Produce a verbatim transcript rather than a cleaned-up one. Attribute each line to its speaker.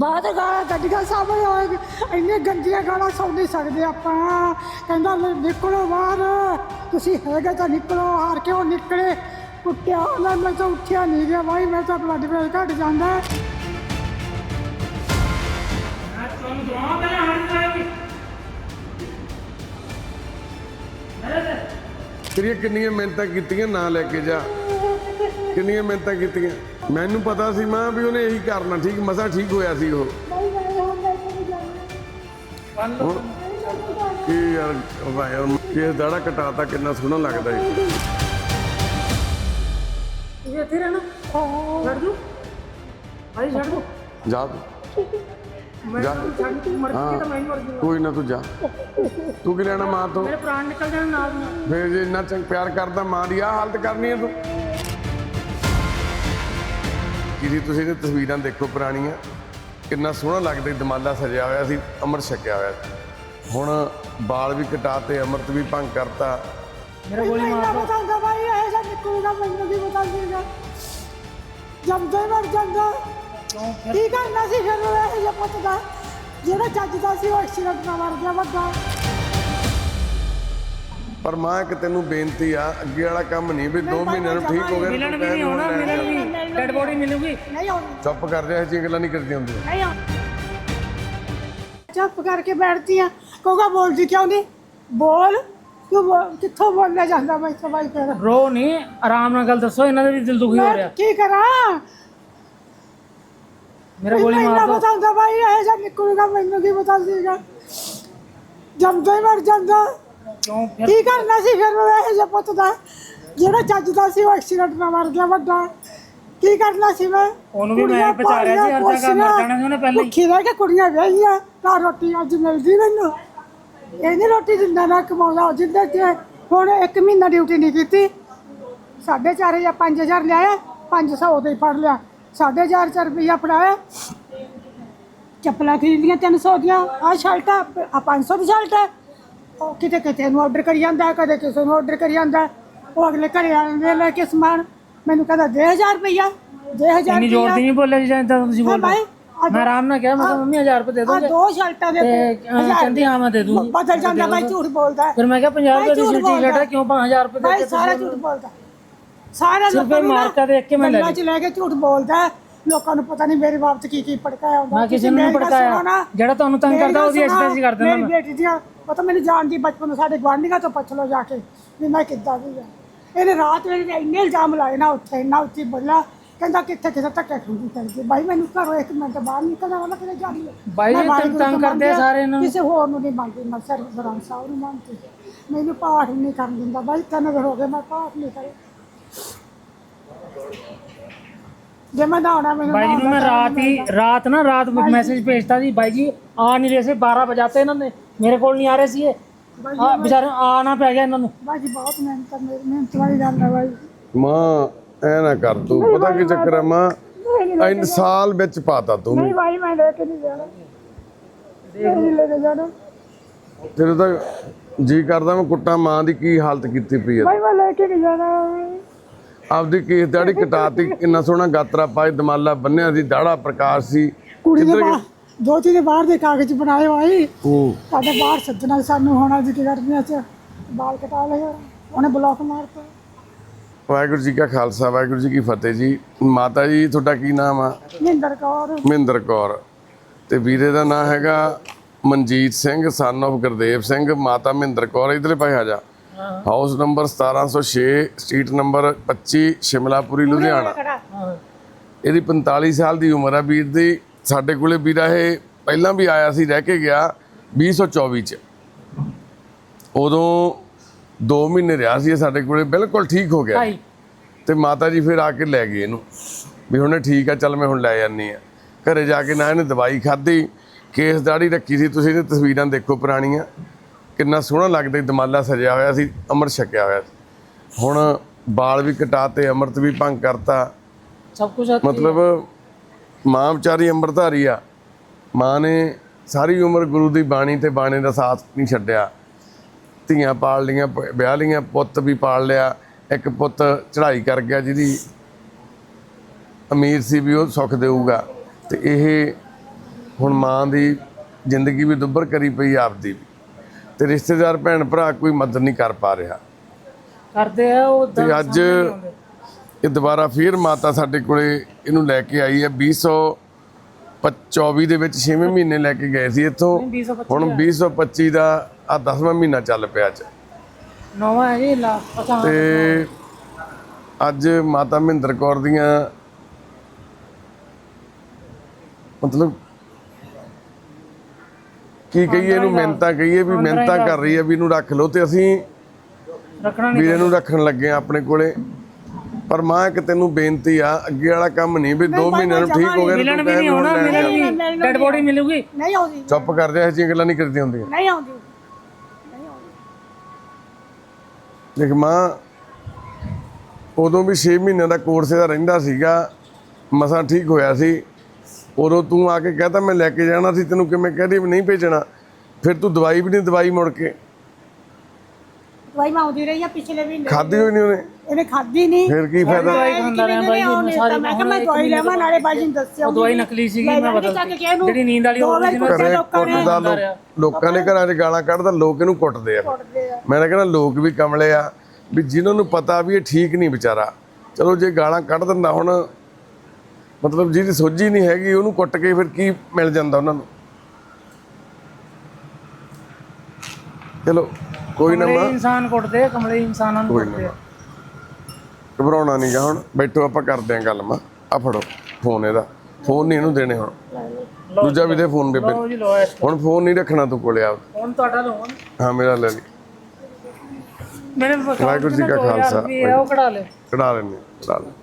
Speaker 1: ਬਾਅਦ ਗਾਲਾਂ ਕੱਢੀਆਂ ਸਾਹਮਣੇ ਹੋਏ ਇੰਨੇ ਗੰਦੀਆਂ ਗਾਲਾਂ ਸੁਣ ਨਹੀਂ ਸਕਦੇ ਆਪਾਂ। ਕਹਿੰਦਾ ਨਿਕਲੋ ਬਾਹਰ, ਤੁਸੀਂ ਹੈਗੇ ਤਾਂ ਨਿਕਲੋ, ਹਾਰ ਕੇ ਉਹ ਨਿਕਲੇ। ਕੁੱਟਿਆ ਉਹਨਾਂ ਮੈਂ ਤਾਂ ਉੱਠਿਆ ਨਹੀਂ ਗਿਆ ਭਾਈ, ਮੈਂ ਤਾਂ ਬਲੱਡ ਪ੍ਰੈਸ਼ਰ ਘਟ ਜਾਂਦਾ।
Speaker 2: ਤੇਰੀਆਂ ਕਿੰਨੀਆਂ ਮਿਹਨਤਾਂ ਕੀਤੀਆਂ ਨਾ ਲੈ ਕੇ ਜਾ, ਕਿੰਨੀਆਂ ਮਿਹਨਤਾਂ ਕੀਤੀਆਂ। ਮੈਨੂੰ ਪਤਾ ਸੀ ਮਾਂ ਵੀ ਉਹਨੇ ਇਹੀ ਕਰਨਾ, ਠੀਕ ਮਸਾ ਠੀਕ ਹੋਇਆ ਸੀ ਉਹ। ਕੀ ਯਾਰ ਭਾਈ ਕਿਸ ਦਾੜਾ ਕਟਾਤਾ, ਕਿੰਨਾ ਸੋਹਣਾ ਲੱਗਦਾ ਹੈ।
Speaker 3: ਇਹ ਇੱਥੇ ਰਹਿਣਾ ਛੱਡ ਦੂ ਭਾਈ, ਛੱਡ ਦੂ
Speaker 2: ਜਾ
Speaker 3: ਮੈਂ ਛੱਡ ਤੂੰ ਮਰ ਕੇ ਤਾਂ ਮੈਂ ਮਰ ਜੂਗਾ।
Speaker 2: ਕੋਈ ਨਾ ਤੂੰ ਜਾ, ਤੂੰ ਕੀ ਲੈਣਾ ਮਾਂ ਤੋਂ?
Speaker 3: ਮੇਰੇ ਪ੍ਰਾਣ ਨਿਕਲ ਜਾਣ ਨਾਲ ਨੂੰ।
Speaker 2: ਫਿਰ ਜੇ ਇੰਨਾ ਚੰਗ ਪਿਆਰ ਕਰਦਾ, ਮਾਂ ਦੀ ਆਹ ਹਾਲਤ ਕਰਨੀ ਹੈ ਤੂੰ। ਕਿਹਦੀ ਤੁਸੀਂ ਇਹ ਤਸਵੀਰਾਂ ਦੇਖੋ ਪੁਰਾਣੀਆਂ, ਕਿੰਨਾ ਸੋਹਣਾ ਲੱਗਦਾ, ਦਮਾਲਾ ਸਜਿਆ ਹੋਇਆ ਸੀ, ਅੰਮ੍ਰਿਤ ਛਕਿਆ ਹੋਇਆ ਸੀ। ਹੁਣ ਬਾਲ ਵੀ ਕਟਾਤੇ, ਅੰਮ੍ਰਿਤ ਵੀ ਭੰਗ ਕਰਤਾ।
Speaker 3: ਮੇਰਾ ਗੋਲੀ ਮਾਰ ਦੋ
Speaker 1: ਬਤਾਉਂਦਾ ਭਾਈ ਇਹ ਜਾਂ ਨਿਕਲੂਗਾ, ਮੈਨੂੰ ਕੀ ਬਤਾ ਦੇਗਾ। ਜੰਮਦਾ ਹੀ ਮਰ ਜਾਂਦਾ, ਕੀ ਕਰਨਾ ਸੀ ਫਿਰ ਇਹ ਜਿਹਾ ਪੁੱਤ ਦਾ? ਜਿਹੜਾ ਜੱਜਦਾ ਸੀ ਉਹ ਐਕਸੀਡੈਂਟ ਨਾਲ ਮਰ ਗਿਆ ਵੱਡਾ।
Speaker 2: ਪਰ ਮਾਂ ਇੱਕ ਤੈਨੂੰ ਬੇਨਤੀ ਆ, ਅੱਗੇ ਵਾਲਾ ਕੰਮ ਨਹੀਂ ਵੀ ਦੋ ਮਹੀਨਿਆਂ ਨੂੰ ਠੀਕ ਹੋ ਗਿਆ।
Speaker 3: ਮਿਲਣ ਵੀ ਨਹੀਂ ਹੋਣਾ, ਮਿਲਣ ਵੀ ਡੈਡ ਬੋਡੀ ਮਿਲੂਗੀ।
Speaker 1: ਨਹੀਂ ਆਉਣੀ,
Speaker 2: ਚੁੱਪ ਕਰ ਜਾ, ਇਹ ਜਿਹੀਆਂ ਗੱਲਾਂ ਨਹੀਂ ਕਰਦੀਆਂ ਹੁੰਦੀਆਂ।
Speaker 1: ਨਹੀਂ ਆਉਣੀ। ਚੁੱਪ ਕਰਕੇ ਬੈਠਦੀ ਆ, ਕਹੂਗਾ ਬੋਲਦੀ ਕਿਉਂ ਨਹੀਂ? ਬੋਲ ਤੂੰ, ਬੋਲ- ਕਿੱਥੋਂ ਬੋਲਿਆ ਜਾਂਦਾ ਮੈਂ ਤਾਂ ਭਾਈ ਫਿਰ।
Speaker 3: ਰੋ ਨਹੀਂ, ਆਰਾਮ ਨਾਲ ਗੱਲ ਦੱਸੋ, ਇਹਨਾਂ ਦੇ ਵੀ ਦਿਲ ਦੁਖੀ ਹੋ
Speaker 1: ਮੈਂ
Speaker 3: ਰਿਹਾ।
Speaker 1: ਕੀ ਕਰਾਂ?
Speaker 3: ਮੇਰਾ ਗੋਲੀ ਮਾਰ
Speaker 1: ਮੈਨੂੰ
Speaker 3: ਦੋ
Speaker 1: ਬਤਾਉਂਦਾ ਭਾਈ ਇਹ ਜਾਂ ਨਿਕਲੂਗਾ, ਮੈਨੂੰ ਕੀ ਬਤਾ ਦੇਗਾ। ਜੰਮਦਾ ਹੀ ਮਰ ਜਾਂਦਾ,
Speaker 3: ਕਿਉਂ ਫਿਰ?
Speaker 1: ਕੀ ਕਰਨਾ ਸੀ ਫਿਰ ਇਹ ਜਿਹਾ ਪੁੱਤ ਦਾ? ਜਿਹੜਾ ਜੱਜਦਾ ਸੀ ਉਹ ਐਕਸੀਡੈਂਟ ਨਾਲ ਮਰ ਗਿਆ ਵੱਡਾ। ਕੀ ਕਰਨਾ ਸੀ ਮੈਂ?
Speaker 3: ਉਹਨੂੰ ਵੀ ਮੈਂ
Speaker 1: ਕੁੜੀਆਂ
Speaker 3: ਬਚਾ ਰਿਹਾ ਸੀ, ਹਰ
Speaker 1: ਪਾਲੀਆਂ,
Speaker 3: ਜਗ੍ਹਾ ਮਰ ਜਾਣਾ ਸੀ ਉਹਨੇ ਪਹਿਲਾਂ ਹੀ।
Speaker 1: ਭੁੱਖੀ ਰਹਿ ਕੇ ਕੁੜੀਆਂ ਵਿਆਹੀਆਂ ਤਾਂ ਰੋਟੀ ਅੱਜ ਮਿਲਦੀ ਮੈਨੂੰ। ਇਹ ਨਹੀਂ ਰੋਟੀ ਦਿੰਦਾ ਨਾ ਕਮਾਉਂਦਾ ਜਿੱਦਾਂ ਕਿ ਹੁਣ ਇੱਕ ਮਹੀਨਾ ਡਿਊਟੀ ਨਹੀਂ ਕੀਤੀ, ਸਾਢੇ ਚਾਰ ਹਜ਼ਾਰ ਪੰਜ ਹਜ਼ਾਰ ਲਿਆਇਆ, ਪੰਜ ਸੌ ਉਦੋਂ ਹੀ ਫੜ ਲਿਆ, ਸਾਢੇ ਚਾਰ ਚਾਰ ਰੁਪਈਆ ਫੜਾਇਆ। ਚੱਪਲਾਂ ਖਰੀਦੀਆਂ ਤਿੰਨ ਸੌ ਦੀਆਂ, ਆਹ ਸ਼ਰਟਾਂ ਆ ਪੰਜ ਸੌ ਦੀ ਸ਼ਰਟ ਹੈ। ਉਹ ਕਿਤੇ ਕਿਤੇ ਨੂੰ ਆਰਡਰ ਕਰੀ ਜਾਂਦਾ, ਕਦੇ ਕਿਸੇ ਨੂੰ ਆਰਡਰ ਕਰੀ ਜਾਂਦਾ। ਉਹ ਅਗਲੇ ਘਰੇ ਆਉਂਦੇ ਲੈ ਕੇ ਸਮਾਨ, ਮੈਨੂੰ ਕਹਿੰਦਾ ਦੇ ਹਜ਼ਾਰ ਰੁਪਈਆ, ਦੇ ਹਜ਼ਾਰ
Speaker 3: ਇੰਨੀ ਜ਼ੋਰ ਦੀ ਨਹੀਂ ਬੋਲਿਆ ਜੀ ਜਾਂ ਤੁਸੀਂ ਬੋਲ
Speaker 1: ਭਾਈ
Speaker 3: ਰਹੇ। ਮੈਂ ਆਰਾਮ ਨਾਲ ਕਿਹਾ, ਮੈਂ ਕਿਹਾ ਮੰਮੀ ਹਜ਼ਾਰ ਰੁਪਏ ਦੇ
Speaker 1: ਆ
Speaker 3: ਦੋਗੇ?
Speaker 1: ਦੋ ਸ਼ਰਟਾਂ ਦੇ
Speaker 3: ਤੇ ਕਹਿੰਦੀ ਹਾਂ ਮੈਂ ਦੇ ਦੂੰਗੀ।
Speaker 1: ਬਦਲ ਜਾਂਦਾ ਭਾਈ, ਝੂਠ ਬੋਲਦਾ ਹੈ।
Speaker 3: ਫਿਰ ਮੈਂ ਕਿਹਾ ਪੰਜਾਹ ਰੁਪਏ ਦੀ
Speaker 1: ਝੂਠ
Speaker 3: ਸਿੱਟੀ
Speaker 1: ਬੋਲਦਾ।
Speaker 3: ਘਟਾ, ਕਿਉਂ ਪੰਜ ਹਜ਼ਾਰ ਰੁਪਏ ਦੇ
Speaker 1: ਭਾਈ
Speaker 3: ਕੇ
Speaker 1: ਸਾਰਾ ਝੂਠ ਬੋਲਦਾ, ਸਾਰਾ
Speaker 3: ਸਿਰਫ
Speaker 1: ਲੋਕਾਂ ਨੂੰ
Speaker 3: ਮਾਰਕਾ ਦੇਖ ਕੇ ਮੈਂ ਲੈ ਲਈ।
Speaker 1: ਚ ਲੈ ਕੇ ਝੂਠ ਬੋਲਦਾ ਹੈ। ਲੋਕਾਂ ਨੂੰ ਪਤਾ ਨਹੀਂ ਮੇਰੇ ਬਾਪ ਕੀ ਕੀ ਭੜਕਾਇਆ ਹੁੰਦਾ।
Speaker 3: ਮੈਂ ਕਿਸੇ ਨੂੰ ਨਹੀਂ ਭੜਕਾਇਆ, ਜਿਹੜਾ ਤੁਹਾਨੂੰ ਤੰਗ ਕਰਦਾ ਉਹਦੀ ਐਕਸਰਸਾਈਜ਼ ਕਰ ਦਿੰਦਾ
Speaker 1: ਮੇਰੀ
Speaker 3: ਮੈਂ।
Speaker 1: ਬੇਟੀ ਦੀਆਂ ਪਤਾ ਮੈਨੂੰ ਜਾਣਦੀ ਬਚਪਨ ਨੂੰ, ਸਾਡੇ ਗੁਆਂਢੀਆਂ ਤੋਂ ਪੁੱਛ ਲਓ ਜਾ ਕੇ ਵੀ ਮੈਂ ਕਿੱਦਾਂ ਦੀ ਆ। ਇਹਨੇ ਰਾਤ ਵੇਲੇ ਇੰਨੇ ਇਲਜ਼ਾਮ ਲਾਏ ਨਾ, ਉੱਥੇ ਇੰਨਾ ਉੱਚੀ ਬੋਲਿਆ, ਕਹਿੰਦਾ ਕਿੱਥੇ ਕਿਸੇ ਧੱਕੇ ਖੁੰਦੀ ਕਰਦੀ। ਬਾਈ ਮੈਨੂੰ ਘਰੋਂ ਇੱਕ ਮਿੰਟ ਬਾਹਰ ਨਿਕਲਣਾ ਵਾਲਾ ਕਿਤੇ ਜਾਣੀ ਹੈ।
Speaker 3: ਬਾਈ
Speaker 1: ਮੈਂ
Speaker 3: ਜੀ
Speaker 1: ਵਾਹਿਗੁਰੂ
Speaker 3: ਤੰਗ
Speaker 1: ਤੋਂ
Speaker 3: ਕਰਦੇ ਆ ਸਾਰੇ ਨੂੰ।
Speaker 1: ਕਿਸੇ ਹੋਰ ਨੂੰ ਨਹੀਂ ਮੰਨਦੀ, ਮੈਂ ਸਿਰ ਬਰਾਂ ਸਾਹਿਬ ਨੂੰ ਮੰਨਦੀ। ਮੈਨੂੰ ਪਾਠ ਨਹੀਂ ਕਰਨ ਦਿੰਦਾ ਬਾਈ, ਤਿੰਨ ਦਿਨ ਹੋ ਗਏ ਮੈਂ ਪਾਠ ਨਹੀਂ ਕਰੇ। ਜੇ ਮੈਂ ਨਹਾਉਣਾ ਮੈਨੂੰ
Speaker 3: ਬਾਈ जी ਨੂੰ मैं रात ही रात ना रात मैसेज भेजता जी, भाई जी आ नहीं रहे से, बारह बजाते इन्होंने मेरे को नहीं आ रहे सी, आ बेचारे आना पै गया इन्होंने।
Speaker 1: ਬਾਈ ਜੀ ਬਹੁਤ ਮਿਹਨਤ ਮੇਰੀ ਮਿਹਨਤ ਵਾਲੀ ਗੱਲ ਹੈ ਬਾਈ।
Speaker 2: ਮਾਂ ਐ ਨਾ ਕਰ ਤੂੰ, ਪਤਾ ਕੀ ਚੱਕਰ ਆ ਮਾਂ, ਇੰਨ ਸਾਲ ਵਿੱਚ ਪਾਤਾ ਤੂੰ।
Speaker 1: ਨਹੀਂ ਬਾਈ ਮੈਂ ਲੈ ਕੇ ਨਹੀਂ ਜਾਣਾ, ਨਹੀਂ ਲੈ ਕੇ ਜਾਣਾ
Speaker 2: ਤੇਰੇ ਤਾਂ ਜੀ ਕਰਦਾ ਮੈਂ ਕੁੱਟਾਂ, ਮਾਂ ਦੀ ਕੀ ਹਾਲਤ ਕੀਤੀ ਪਈ ਆ।
Speaker 1: ਬਾਈ ਮੈਂ ਲੈ ਕੇ ਨਹੀਂ ਜਾਣਾ।
Speaker 2: ਆਪਦੀ ਕੇਸ ਦਾੜੀ ਕਟਾਤੀ, ਕਿੰਨਾ ਸੋਹਣਾ ਗਾਤਰਾ ਪਾਏ, ਦਮਾਲਾ ਬੰਨਿਆ ਸੀ, ਦਾੜਾ ਪ੍ਰਕਾਸ਼ ਸੀ।
Speaker 1: ਕੁੜੀ ਦੇ ਬਾਹਰ ਦੋ ਤਿੰਨ ਬਾਹਰ ਦੇ ਕਾਗਜ਼ ਬਣਾਏ ਹੋਏ,
Speaker 2: ਹੂੰ
Speaker 1: ਸਾਡੇ ਬਾਹਰ ਸੱਜਣਾ ਸਾਨੂੰ ਹੋਣਾ ਜੀ ਕੀ ਕਰਦੀਆਂ ਚ ਬਾਲ ਕਟਾ ਲਏ, ਉਹਨੇ ਬਲੌਕ ਮਾਰਤਾ।
Speaker 2: ਵਾਹਿਗੁਰੂ ਜੀ ਕਾ ਖਾਲਸਾ, ਵਾਹਿਗੁਰੂ ਜੀ ਕੀ ਫਤਿਹ ਜੀ। ਮਾਤਾ ਜੀ ਤੁਹਾਡਾ ਕੀ ਨਾਮ ਆ?
Speaker 1: ਮਹਿੰਦਰ ਕੌਰ।
Speaker 2: ਮਹਿੰਦਰ ਕੌਰ। ਤੇ ਵੀਰੇ ਦਾ ਨਾਮ ਹੈਗਾ ਮਨਜੀਤ ਸਿੰਘ, ਸਨ ਆਫ ਗੁਰਦੇਵ ਸਿੰਘ, ਮਾਤਾ ਮਹਿੰਦਰ ਕੌਰ। ਇਧਰਲੇ ਪਾਸੇ ਆ ਜਾ। ਹਾਊਸ ਨੰਬਰ ਸਤਾਰਾਂ ਸੌ ਛੇ, ਸਟਰੀਟ ਨੰਬਰ ਪੱਚੀ, ਸ਼ਿਮਲਾਪੁਰੀ, ਲੁਧਿਆਣਾ। ਇਹਦੀ ਪੰਤਾਲੀ ਸਾਲ ਦੀ ਉਮਰ ਆ ਵੀਰ ਦੀ। ਸਾਡੇ ਕੋਲੇ ਵੀਰਾ ਇਹ ਪਹਿਲਾਂ ਵੀ ਆਇਆ ਸੀ, ਰਹਿ ਕੇ ਗਿਆ ਵੀਹ ਸੌ ਚੌਵੀ ਚ। ਉਦੋਂ ਦੋ ਮਹੀਨੇ ਰਿਹਾ ਸੀ ਸਾਡੇ ਕੋਲੇ, ਬਿਲਕੁਲ ਠੀਕ ਹੋ ਗਿਆ। ਤੇ ਮਾਤਾ ਜੀ ਫਿਰ ਆ ਕੇ ਲੈ ਗਏ ਇਹਨੂੰ ਵੀ ਹੁਣੇ ਠੀਕ ਆ, ਚੱਲ ਮੈਂ ਹੁਣ ਲੈ ਜਾਂਦੀ ਆ। ਘਰੇ ਜਾ ਕੇ ਨਾ ਇਹਨੇ ਦਵਾਈ ਖਾਧੀ, ਕੇਸ ਦਾੜੀ ਰੱਖੀ ਸੀ। ਤੁਸੀਂ ਇਹ ਤਸਵੀਰਾਂ ਦੇਖੋ ਪੁਰਾਣੀਆਂ, ਕਿੰਨਾ ਸੋਹਣਾ ਲੱਗਦਾ, ਦਮਾਲਾ ਸਜਿਆ ਹੋਇਆ ਸੀ, ਅੰਮ੍ਰਿਤ ਛਕਿਆ ਹੋਇਆ ਸੀ। ਹੁਣ ਬਾਲ ਵੀ ਕਟਾਤੇ, ਅੰਮ੍ਰਿਤ ਵੀ ਭੰਗ ਕਰਤਾ।
Speaker 3: ਸਭ ਕੁਝ
Speaker 2: ਮਤਲਬ ਮਾਂ ਵਿਚਾਰੀ ਅੰਮ੍ਰਿਤਧਾਰੀ ਆ। ਮਾਂ ਨੇ ਸਾਰੀ ਉਮਰ ਗੁਰੂ ਦੀ ਬਾਣੀ ਤੇ ਬਾਣੇ ਦਾ ਸਾਥ ਨਹੀਂ ਛੱਡਿਆ। ਧੀਆਂ ਪਾਲ ਲੀਆਂ, ਵਿਆਹ ਲੀਆਂ, ਪੁੱਤ ਵੀ ਪਾਲ ਲਿਆ। ਇੱਕ ਪੁੱਤ ਚੜ੍ਹਾਈ ਕਰ ਗਿਆ, ਜਿਹਦੀ ਅਮੀਰ ਸੀ ਵੀ ਉਹ ਸੁੱਖ ਦੇਊਗਾ। ਤੇ ਇਹ ਹੁਣ ਮਾਂ ਦੀ ਜ਼ਿੰਦਗੀ ਵੀ ਦੁੱਭਰ ਕਰੀ ਪਈ ਆਪਦੀ ਵੀ, ਤੇ ਰਿਸ਼ਤੇਦਾਰ ਭੈਣ ਭਰਾ ਕੋਈ ਮਦਦ ਨਹੀਂ ਕਰ ਪਾ ਰਿਹਾ।
Speaker 3: ਕਰਦੇ ਆ ਉਹ
Speaker 2: ਤੇ ਅੱਜ ਇਹ ਦੁਬਾਰਾ ਫੇਰ ਮਾਤਾ ਸਾਡੇ ਕੋਲੇ ਇਹਨੂੰ ਲੈ ਕੇ ਆਈ ਹੈ। ਵੀਹ ਸੌ ਚੌਵੀ ਦੇ ਵਿੱਚ ਛੇਵੇਂ ਮਹੀਨੇ ਲੈ ਕੇ ਗਏ ਸੀ ਇੱਥੋਂ, ਹੁਣ ਵੀਹ ਸੌ ਪੱਚੀ ਦਾ ਆ ਦਸਵਾਂ ਮਹੀਨਾ ਚੱਲ ਪਿਆ ਅੱਜ।
Speaker 3: ਨਵਾਂ ਹੈ ਜੀ ਲਾ ਪਤਾ
Speaker 2: ਤੇ ਅੱਜ ਮਾਤਾ ਮਹਿੰਦਰ ਕੌਰ ਦੀਆਂ ਮਤਲਬ ਕੀ ਕਹੀਏ ਇਹਨੂੰ, ਮਿਹਨਤਾਂ ਕਹੀਏ ਵੀ ਮਿਹਨਤਾਂ ਕਰ ਰਹੀ ਹੈ ਵੀ ਇਹਨੂੰ ਰੱਖ ਲਓ, ਤੇ ਅਸੀਂ
Speaker 3: ਰੱਖਣਾ ਨਹੀਂ
Speaker 2: ਵੀਰੇ ਨੂੰ ਰੱਖਣ ਲੱਗੇ ਆ ਆਪਣੇ ਕੋਲੇ। ਪਰ ਮਾਂ ਇੱਕ ਤੈਨੂੰ ਬੇਨਤੀ ਆ, ਅੱਗੇ ਵਾਲਾ ਕੰਮ ਨਹੀਂ ਵੀ ਦੋ ਮਹੀਨਿਆਂ ਨੂੰ ਠੀਕ ਹੋ ਗਿਆ ਤੇ
Speaker 3: ਮਿਲਣ
Speaker 2: ਤੂੰ
Speaker 3: ਵੀ
Speaker 2: ਕਹਿ
Speaker 3: ਨਹੀਂ
Speaker 2: ਵੀ ਹੁਣ
Speaker 3: ਆਉਣਾ,
Speaker 2: ਲੈਣ
Speaker 3: ਮਿਲਣ
Speaker 2: ਜਾਣਾ।
Speaker 3: ਵੀ ਡੈਡ ਬੋਡੀ ਮਿਲੂਗੀ
Speaker 1: ਨਹੀਂ ਆਉਂਦੀ,
Speaker 2: ਚੁੱਪ ਕਰ ਜਾ, ਇਹ ਜਿਹੀਆਂ ਗੱਲਾਂ ਨਹੀਂ ਕਰਦੀਆਂ ਹੁੰਦੀਆਂ।
Speaker 1: ਨਹੀਂ ਆਉਂਦੀ।
Speaker 2: ਦੇਖ ਮਾਂ, ਉਦੋਂ ਵੀ ਛੇ ਮਹੀਨਿਆਂ ਦਾ ਕੋਰਸ ਇਹਦਾ ਰਹਿੰਦਾ ਸੀਗਾ, ਮਸਾਂ ਠੀਕ ਹੋਇਆ ਸੀ। ਉਦੋਂ ਤੂੰ ਆ ਕੇ ਕਹਤਾ ਮੈਂ ਲੈ ਕੇ ਜਾਣਾ ਸੀ, ਤੈਨੂੰ ਕਿਵੇਂ ਕਹਦੀ ਵੀ ਨਹੀਂ ਭੇਜਣਾ, ਫਿਰ ਤੂੰ ਦਵਾਈ ਵੀ ਨਹੀਂ ਦਵਾਈ ਮੁੜ ਕੇ
Speaker 1: ਦਵਾਈ ਮੈਂ ਆਉਂਦੀ ਰਹੀ ਆ ਪਿਛਲੇ ਮਹੀਨੇ,
Speaker 2: ਖਾਧੀ ਹੋਈ ਨਹੀਂ ਉਹਨੇ,
Speaker 1: ਇਹਨੇ ਖਾਧੀ ਨਹੀਂ।
Speaker 2: ਫਿਰ ਕੀ ਫਾਇਦਾ।
Speaker 3: ਦਵਾਈ ਖਾਂਦਾ ਰਿਹਾ ਬਾਈ ਜੀ, ਮੈਂ ਸਾਰੀ
Speaker 1: ਮੈਂ ਕਿਹਾ ਮੈਂ ਦਵਾਈ ਲੈਵਾਂ, ਨਾਲੇ ਬਾਈ ਜੀ ਨੂੰ ਦੱਸਿਆ
Speaker 3: ਉਹ ਦਵਾਈ ਨਕਲੀ ਸੀਗੀ, ਮੈਂ ਬਦਲਤੀ ਜਿਹੜੀ ਨੀਂਦ ਵਾਲੀ ਉਹ ਸੀ
Speaker 2: ਘਰੇ ਕੁੱਟਦਾ, ਲੋਕ- ਲੋਕਾਂ ਦੇ ਘਰਾਂ 'ਚ ਗਾਲਾਂ ਕੱਢਦਾ, ਲੋਕ ਇਹਨੂੰ ਕੁੱਟਦੇ ਆ। ਮੈਂ ਤਾਂ ਕਹਿੰਦਾ ਲੋਕ ਵੀ ਕਮਲੇ ਆ ਵੀ ਜਿਨ੍ਹਾਂ ਨੂੰ ਪਤਾ ਵੀ ਇਹ ਠੀਕ ਨਹੀਂ ਵਿਚਾਰਾ, ਚਲੋ ਜੇ ਗਾਲਾਂ ਕੱਢ ਦਿੰਦਾ, ਹੁਣ ਮਤਲਬ ਜਿਹਦੀ ਸੋਝੀ ਨਹੀਂ ਹੈਗੀ ਉਹਨੂੰ ਕੁੱਟ ਕੇ ਫਿਰ ਕੀ ਮਿਲ ਜਾਂਦਾ ਉਹਨਾਂ ਨੂੰ। ਚਲੋ ਕੋਈ ਨਾ ਮਾਂ,
Speaker 3: ਇਨਸਾਨ ਕੁੱਟਦੇ, ਕਮਲੇ ਇਨਸਾਨਾਂ ਨੂੰ
Speaker 2: ਕੋਈ
Speaker 3: ਕੁੱਟਦੇ
Speaker 2: ਨਾ, ਘਬਰਾਉਣਾ ਨਹੀਂ ਗਾ। ਹੁਣ ਬੈਠੋ, ਆਪਾਂ ਕਰਦੇ ਆਂ ਗੱਲ। ਮਾਂ ਆ ਫੜੋ ਫੋਨ, ਇਹਦਾ ਫੋਨ ਨਹੀਂ ਇਹਨੂੰ ਦੇਣੇ, ਹੁਣ ਦੂਜਾ ਵੀ ਦੇ ਫੋਨ ਬੇਬੇ।
Speaker 3: ਲਓ ਜੀ ਲਓ ਇਸ
Speaker 2: ਹੁਣ ਫੋਨ ਨਹੀਂ ਰੱਖਣਾ ਤੂੰ ਕੋਲੇ ਆਪ।
Speaker 3: ਹੁਣ ਤੁਹਾਡਾ ਲਓ
Speaker 2: ਹਾਂ ਮੇਰਾ ਲੈ ਲਈ,
Speaker 3: ਮੇਰੇ
Speaker 2: ਵਾਹਿਗੁਰੂ ਜੀ ਕਾ ਖਾਲਸਾ,
Speaker 3: ਉਹ ਕਢਾ ਲੈ
Speaker 2: ਕਢਾ ਲੈਣੇ ਕਢਾ ਲੈ।